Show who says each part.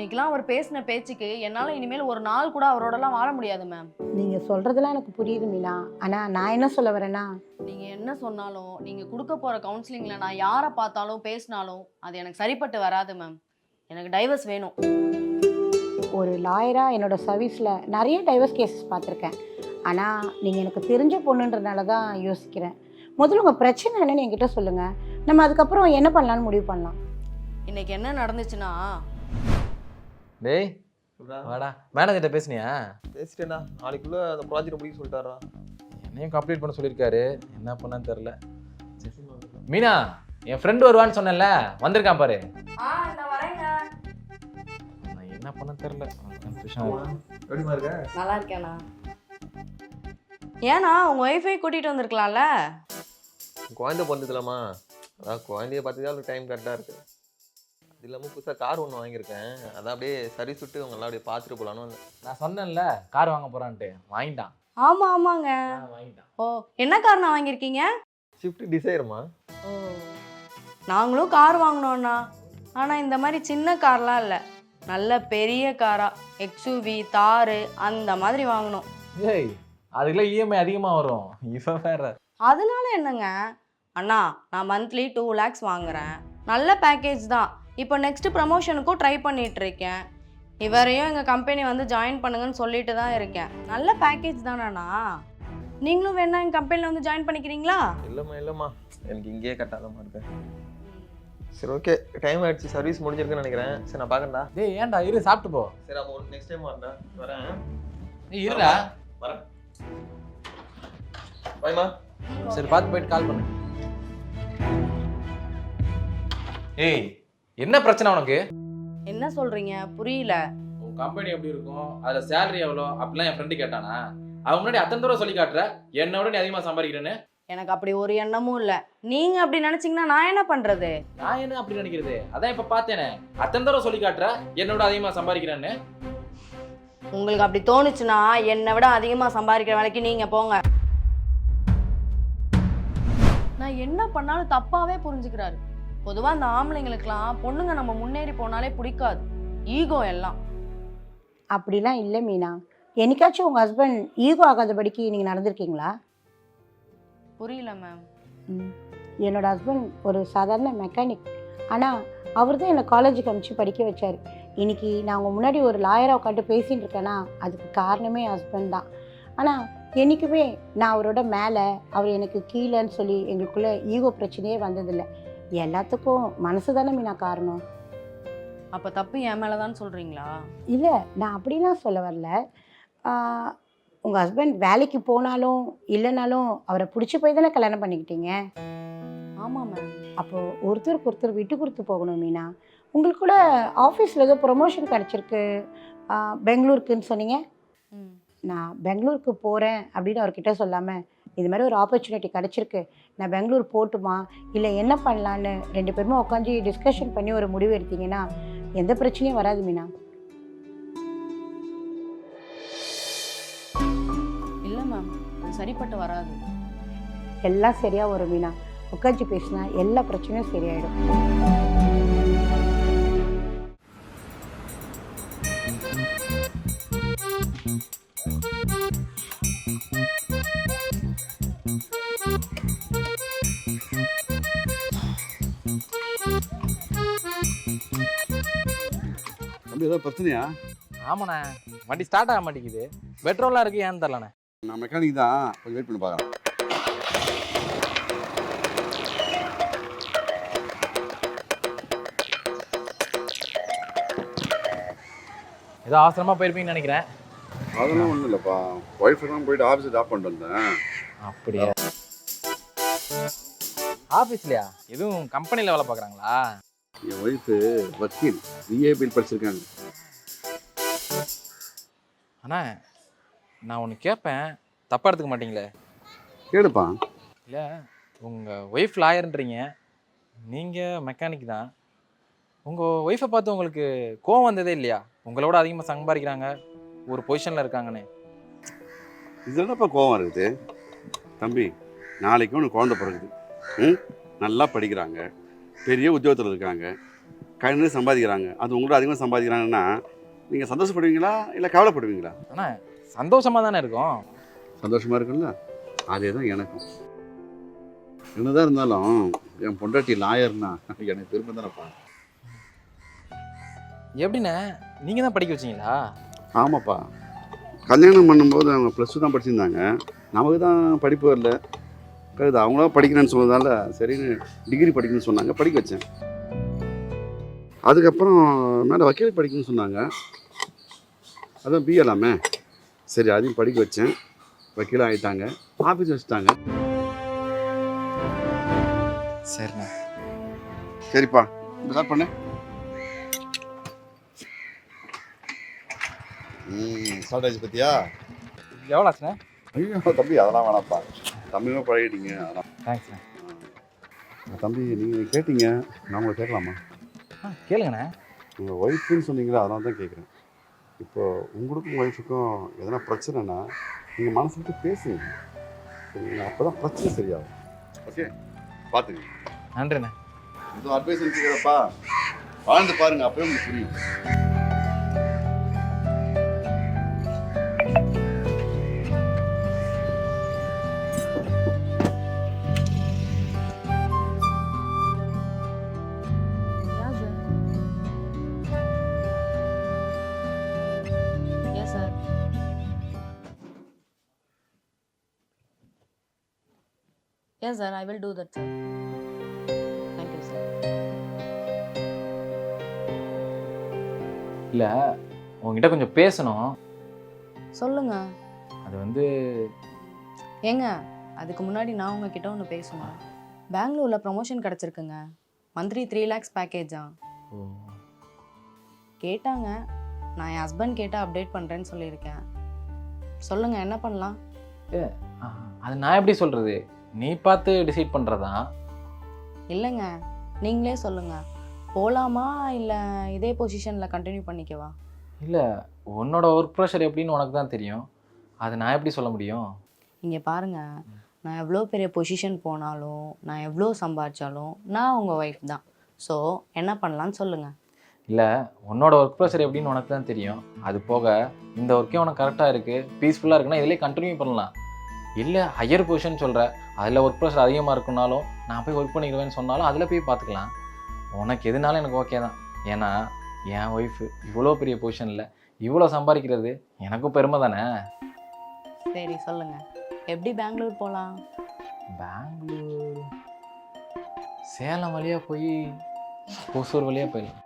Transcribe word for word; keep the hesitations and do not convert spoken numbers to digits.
Speaker 1: இன்னைக்கெல்லாம் அவர் பேசின பேச்சுக்கு என்னால இனிமேல் ஒரு நாள் கூட அவரோடலாம் வாழ முடியாது மேம்.
Speaker 2: நீங்க சொல்றதெல்லாம் எனக்கு புரியுது மீனா. ஆனா நான் என்ன சொல்ல வரேன்னா,
Speaker 1: நீங்க என்ன சொன்னாலும் நீங்க கொடுக்க போற கவுன்சிலிங்ல நான் யாரை பார்த்தாலும் பேசினாலும் அது எனக்கு சரிப்பட்டு வராது மேம். எனக்கு டைவர்ஸ் வேணும்.
Speaker 2: ஒரு லாயரா என்னோட சர்வீஸ்ல நிறைய டைவர்ஸ் கேசஸ் பார்த்துருக்கேன். ஆனா நீங்க எனக்கு தெரிஞ்ச பொண்ணுன்றதுனால தான் யோசிக்கிறேன். முதல்ல உங்க பிரச்சனை என்னன்னு என்கிட்ட சொல்லுங்க. நம்ம அதுக்கப்புறம் என்ன பண்ணலாம்னு முடிவு பண்ணலாம்.
Speaker 1: இன்னைக்கு என்ன நடந்துச்சுன்னா,
Speaker 3: டேய் வாடா, மேனேஜர்கிட்ட பேசுனியா?
Speaker 4: பேசிட்டேண்ணா, நாளைக்குள்ள அந்த ப்ராஜெக்ட் முடிக்க சொல்லிட்டாரா?
Speaker 3: என்னையும் கம்ப்ளீட் பண்ண சொல்லியிருக்காரு, என்ன பண்ணான்னு தெரில. மீனா, என் ஃப்ரெண்டு வருவான்னு சொன்னேன்ல, வந்திருக்கான் பாரு. நான் என்ன பண்ண தெரில.
Speaker 4: எப்படிமா இருக்க?
Speaker 1: நல்லா இருக்கேண்ணா. ஏன்னா உங்க ஒய்ஃபை கூட்டிட்டு வந்திருக்கலாம்ல.
Speaker 4: குழந்தை பிறந்ததுலாமா, அதான் குழந்தைய பார்த்துதான் டைம் கரெக்டாக இருக்கு. அது இல்லாமல் புதுசாக கார் ஒன்று வாங்கியிருக்கேன், அதான் அப்படியே சர்வீஸ் விட்டு உங்களாம் அப்படியே பார்த்துட்டு போகலான்னு வந்தேன்.
Speaker 3: நான் சொன்னேன்ல கார் வாங்க போறான்ட்டு, வாங்கிட்டான்.
Speaker 1: ஆமா ஆமாங்க.
Speaker 3: வாங்கிட்டான்.
Speaker 1: ஓ, என்ன கார் நான் வாங்கியிருக்கீங்க?
Speaker 4: ஷிஃப்ட் டிசைர்மா.
Speaker 1: ஓ, நாங்களும் கார் வாங்கினோண்ணா. ஆனால் இந்த மாதிரி சின்ன கார்லாம் இல்லை, நல்ல பெரிய காரா, எக்ஸ்யூவி தாரு அந்த மாதிரி வாங்கணும்.
Speaker 3: ஏய், அதுக்குள்ள இஎம்ஐ அதிகமாக வரும். இவன் வேற.
Speaker 1: அதனால என்னங்க அண்ணா, நான் மந்த்லி டூ லேக்ஸ் வாங்குறேன், நல்ல பேக்கேஜ் தான். இப்போ நெக்ஸ்ட் ப்ரமோஷனுக்கும் ட்ரை பண்ணிட்டு இருக்கேன். இவரையும் எங்கள் கம்பெனி வந்து ஜாயின் பண்ணுங்கன்னு சொல்லிட்டு தான் இருக்கேன். நல்ல பேக்கேஜ் தானேண்ணா. நீங்களும் வேணா எங்கள் கம்பெனியில் வந்து ஜாயின் பண்ணிக்கிறீங்களா?
Speaker 4: இல்லைம்மா இல்லைம்மா, எனக்கு இங்கேயே கட்டாதம்மா இருக்கேன். சரி ஓகே, டைம் ஆயிடுச்சு, சர்வீஸ் முடிஞ்சிருக்குன்னு நினைக்கிறேன். சரி நான் பார்க்கறேன்டா.
Speaker 3: டேய் ஏன்டா, இரு சாப்பிட்டு போ.
Speaker 4: சரி அப்போ நெக்ஸ்ட் டைம் வரேன்டா. வரேன்.
Speaker 3: ஏய் இருடா.
Speaker 4: வரேன். பாய்மா.
Speaker 3: சரி பார்த்து போயிட்டு கால் பண்ணு. ஏய், என்ன பிரச்சனை உனக்கு?
Speaker 1: என்ன சொல்கிறீங்க, புரியல.
Speaker 3: உன் கம்பெனி எப்படி இருக்கும், அதுல சேலரி எவ்வளோ அப்படிலாம் என் ஃப்ரெண்டு கேட்டானா? அவன் முன்னாடி அத்தனை தூரம் சொல்லி காட்டுற, என்னோட நீ அதிகமாக சம்பாதிக்கிறேன்னு.
Speaker 1: எனக்கு அப்படி ஒரு எண்ணமும் இல்லை. நீங்கள் அப்படி நினச்சிங்கன்னா நான் என்ன பண்ணுறது?
Speaker 3: நான் என்ன அப்படி நினைக்கிறது? அதான் இப்போ பார்த்தேனே, அத்தனை தூரம் சொல்லி காட்டுற என்னோட அதிகமாக சம்பாதிக்கிறேன்னு.
Speaker 1: உங்களுக்கு அப்படி தோணுச்சுன்னா என்னை விட அதிகமாக சம்பாதிக்கிற வேலைக்கு நீங்கள் போங்க. நான் என்ன பண்ணாலும் தப்பாகவே புரிஞ்சுக்கிறாரு. பொதுவாக இந்த ஆம்பளைங்களுக்கெல்லாம் பொண்ணுங்க நம்ம முன்னேறி போனாலே பிடிக்காது, ஈகோ எல்லாம்.
Speaker 2: அப்படிலாம் இல்லை மீனா. என்னைக்காச்சும் உங்கள் ஹஸ்பண்ட் ஈகோ ஆகாதபடிக்கு நீங்கள் நடந்திருக்கீங்களா?
Speaker 1: புரியல மேம்.
Speaker 2: ம் என்னோடய ஹஸ்பண்ட் ஒரு சாதாரண மெக்கானிக். ஆனால் அவர் தான் என்னை காலேஜுக்கு அனுப்பிச்சு படிக்க வச்சார். இன்றைக்கி நான் உங்கள் முன்னாடி ஒரு லாயராக உட்காந்து பேசிகிட்டு இருக்கேன்னா அதுக்கு காரணமே என் ஹஸ்பண்ட் தான். ஆனால் என்றைக்குமே நான் அவரோட மேலே, அவர் எனக்கு கீழேன்னு சொல்லி எங்களுக்குள்ளே ஈகோ பிரச்சனையே வந்ததில்லை. எல்லாத்துக்கும் மனசு தானே மீனா காரணம்.
Speaker 1: அப்போ தப்பு என் மேலே தான் சொல்கிறீங்களா?
Speaker 2: இல்லை, நான் அப்படிலாம் சொல்ல வரல. உங்கள் ஹஸ்பண்ட் வேலைக்கு போனாலும் இல்லைனாலும் அவரை பிடிச்சி போய் தானே கல்யாணம் பண்ணிக்கிட்டீங்க.
Speaker 1: ஆமாம் மேம்.
Speaker 2: அப்போது ஒருத்தருக்கு ஒருத்தர் விட்டு கொடுத்து போகணும் மீனா. உங்களுக்கு கூட ஆஃபீஸில் ஏதோ ப்ரொமோஷன் கிடச்சிருக்கு, பெங்களூருக்குன்னு சொன்னீங்க. நான் பெங்களூருக்கு போகிறேன் அப்படின்னு அவர்கிட்ட சொல்லாமல், இது மாதிரி ஒரு ஆப்பர்ச்சுனிட்டி கிடச்சிருக்கு, நான் பெங்களூர் போட்டுமா இல்லை என்ன பண்ணலான்னு ரெண்டு பேருமே உட்காந்து டிஸ்கஷன் பண்ணி ஒரு முடிவு எடுத்தீங்கன்னா எந்த பிரச்சனையும் வராது மீனா.
Speaker 1: இல்லை மேம், சரிப்பட்டு வராது.
Speaker 2: எல்லாம் சரியாக வரும் மீனா. உட்காந்து பேசினா எல்லா பிரச்சனையும் சரியாயிடும்.
Speaker 5: தம்பி ஏதாவது பிரச்சனையா?
Speaker 3: ஆமாண்ணே, வண்டி ஸ்டார்ட் ஆக மாட்டேங்குது, பெட்ரோலாக இருக்கு, ஏன்னு தெரிலண்ணே.
Speaker 5: நான் மெக்கானிக் தான், கொஞ்சம் வெயிட் பண்ணி பார்க்குறேன்.
Speaker 3: ஏதோ அவசரமாக போயிருப்பீங்கன்னு நினைக்கிறேன்.
Speaker 5: அதெல்லாம் ஒன்றும் இல்லைப்பா, ஒய்ஃபை தான் போயிட்டு ஆஃபீஸை ட்ராப் பண்ணிட்டு வந்தேன்.
Speaker 3: அப்படியா? ஆஃபீஸ்லையா? எதுவும் கம்பெனியில் வேலை பார்க்குறாங்களா?
Speaker 5: என் ஒய்ஃபு வக்கீல், பிஏபில் படிச்சிருக்காங்க.
Speaker 3: அண்ணா, நான் ஒன்று கேட்பேன், தப்பாக எடுத்துக்க மாட்டீங்களே?
Speaker 5: கேளுப்பா.
Speaker 3: இல்லை, உங்கள் ஒய்ஃப் லாயர்ன்றீங்க, நீங்கள் மெக்கானிக் தான். உங்கள் ஒய்ஃபை பார்த்து உங்களுக்கு கோவம் வந்ததே இல்லையா? உங்களோட அதிகமாக சம்பாதிக்கிறாங்க, ஒரு பொசிஷனில் இருக்காங்கன்னு.
Speaker 5: இது என்னப்பா கோவம் இருக்குது? தம்பி, நாளைக்கு ஒன்று குழந்தை பிறகுது. ம் நல்லா படிக்கிறாங்க, பெரிய உத்தியோகத்தில் இருக்காங்க. கண்ணு சம்பாதிக்கிறாங்க, அது உங்களோட அதிகமாக சம்பாதிக்கிறாங்கன்னா நீங்கள் சந்தோஷப்படுவீங்களா இல்லை கவலைப்படுவீங்களா?
Speaker 3: ஆனால் சந்தோஷமாக தானே இருக்கும்.
Speaker 5: சந்தோஷமாக இருக்குல்ல, அதே தான் எனக்கும். என்னதான் இருந்தாலும் என் பொண்டாட்டி லாயர்னா எனக்கு பெருமை தானேப்பா.
Speaker 3: எப்படிண்ணே, நீங்கள் தான் படிக்க வச்சிங்களா?
Speaker 5: ஆமாப்பா, கல்யாணம் பண்ணும்போது அவங்க ப்ளஸ் டூ தான் படிச்சிருந்தாங்க. நமக்கு தான் படிப்பு வரல. இது அவங்களா படிக்கிறேன்னு சொன்னதால சரின்னு டிகிரி படிக்கணும்னு சொன்னாங்க, படிக்க வச்சேன். அதுக்கப்புறம் மேலே வக்கீல் படிக்கணும்னு சொன்னாங்க, அதான் பிஏலாமே, சரி அதையும் படிக்க வச்சேன். வக்கீலாக ஆகிட்டாங்க, ஆஃபீஸ் வச்சுட்டாங்க.
Speaker 3: சரிண்ணே.
Speaker 5: சரிப்பா, ஸ்டார்ட் பண்ணு. ம் ஸ்டார்ட் ஆச்சு பத்தியா?
Speaker 3: எவ்வளோ ஆச்சுண்ணே?
Speaker 5: ஐயோ தம்பி, அதெல்லாம் வேணாம்ப்பா, தம்பியுமே பழகிட்டீங்க அதெல்லாம்.
Speaker 3: தேங்க்ஸ்ண்ணே.
Speaker 5: தம்பி நீங்கள் கேட்டீங்க, நான் உங்களை கேட்கலாமா?
Speaker 3: ஆ கேளுங்கண்ணே.
Speaker 5: உங்கள் ஒய்ஃபுன்னு சொன்னீங்களா, அதனால தான் கேட்குறேன். இப்போ உங்களுக்கும் ஒய்ஃபுக்கும் எதனா பிரச்சனைனா நீங்கள் மனசு விட்டு பேசுங்க, சரிங்களா? அப்போ தான் பிரச்சனை சரியாகும். ஓகே, பார்த்துங்க.
Speaker 3: நன்றிண்ணே.
Speaker 5: இது அட்வைஸ் கேட்குறப்பா, வாழ்ந்து பாருங்க, அப்போயே உங்களுக்கு புரியும்.
Speaker 1: Yes, sir. Yes, sir. I will do that, sir. Thank you, sir.
Speaker 3: இல்லை, உங்ககிட்ட கொஞ்சம் பேசணும்.
Speaker 1: சொல்லுங்க.
Speaker 3: அது வந்து
Speaker 1: ஏங்க, அதுக்கு முன்னாடி நான் உங்ககிட்ட ஒன்று பேசணும். பெங்களூரில் ப்ரமோஷன் கிடச்சிருக்குங்க. மந்த்லி த்ரீ லேக்ஸ் பேக்கேஜா
Speaker 3: ஓ,
Speaker 1: கேட்டாங்க. நான் என் ஹஸ்பண்ட் கேட்டால் அப்டேட் பண்ணுறேன்னு சொல்லியிருக்கேன். சொல்லுங்கள், என்ன பண்ணலாம்?
Speaker 3: ஆ, அது நான் எப்படி சொல்கிறது? நீ பார்த்து டிசைட் பண்ணுறதா?
Speaker 1: இல்லைங்க, நீங்களே சொல்லுங்கள். போகலாமா இல்லை இதே பொசிஷனில் கண்டினியூ பண்ணிக்கவா?
Speaker 3: இல்லை, உன்னோட ஒர்க் ப்ரெஷர் எப்படின்னு உனக்கு தான் தெரியும். அதை நான் எப்படி சொல்ல முடியும்?
Speaker 1: இங்கே பாருங்கள், நான் எவ்வளோ பெரிய பொசிஷன் போனாலும், நான் எவ்வளோ சம்பாதிச்சாலும் நான் உங்கள் ஒய்ஃப் தான். ஸோ என்ன பண்ணலான்னு சொல்லுங்கள்.
Speaker 3: இல்லை, உன்னோட ஒர்க் ப்ரெஷர் எப்படின்னு உனக்கு தான் தெரியும். அது போக இந்த ஒர்க்கே உனக்கு கரெக்டாக இருக்குது, பீஸ்ஃபுல்லாக இருக்குன்னா இதிலே கண்டினியூ பண்ணலாம். இல்லை ஹையர் பொசிஷன் சொல்கிற, அதில் ஒர்க் ப்ரெஷர் அதிகமாக இருக்குனாலும் நான் போய் ஒர்க் பண்ணிடுவேன்னு சொன்னாலும் அதில் போய் பார்த்துக்கலாம். உனக்கு எதுனாலும் எனக்கு ஓகே தான். ஏன்னா என் ஒய்ஃபு இவ்வளோ பெரிய பொசிஷனில் இவ்வளோ சம்பாதிக்கிறது எனக்கும் பெருமை தானே.
Speaker 1: சரி சொல்லுங்கள், எப்படி பெங்களூர் போகலாம்?
Speaker 3: பெங்களூர் சேலம் வழியாக போய் ஒசூர் வழியாக போயிடலாம்.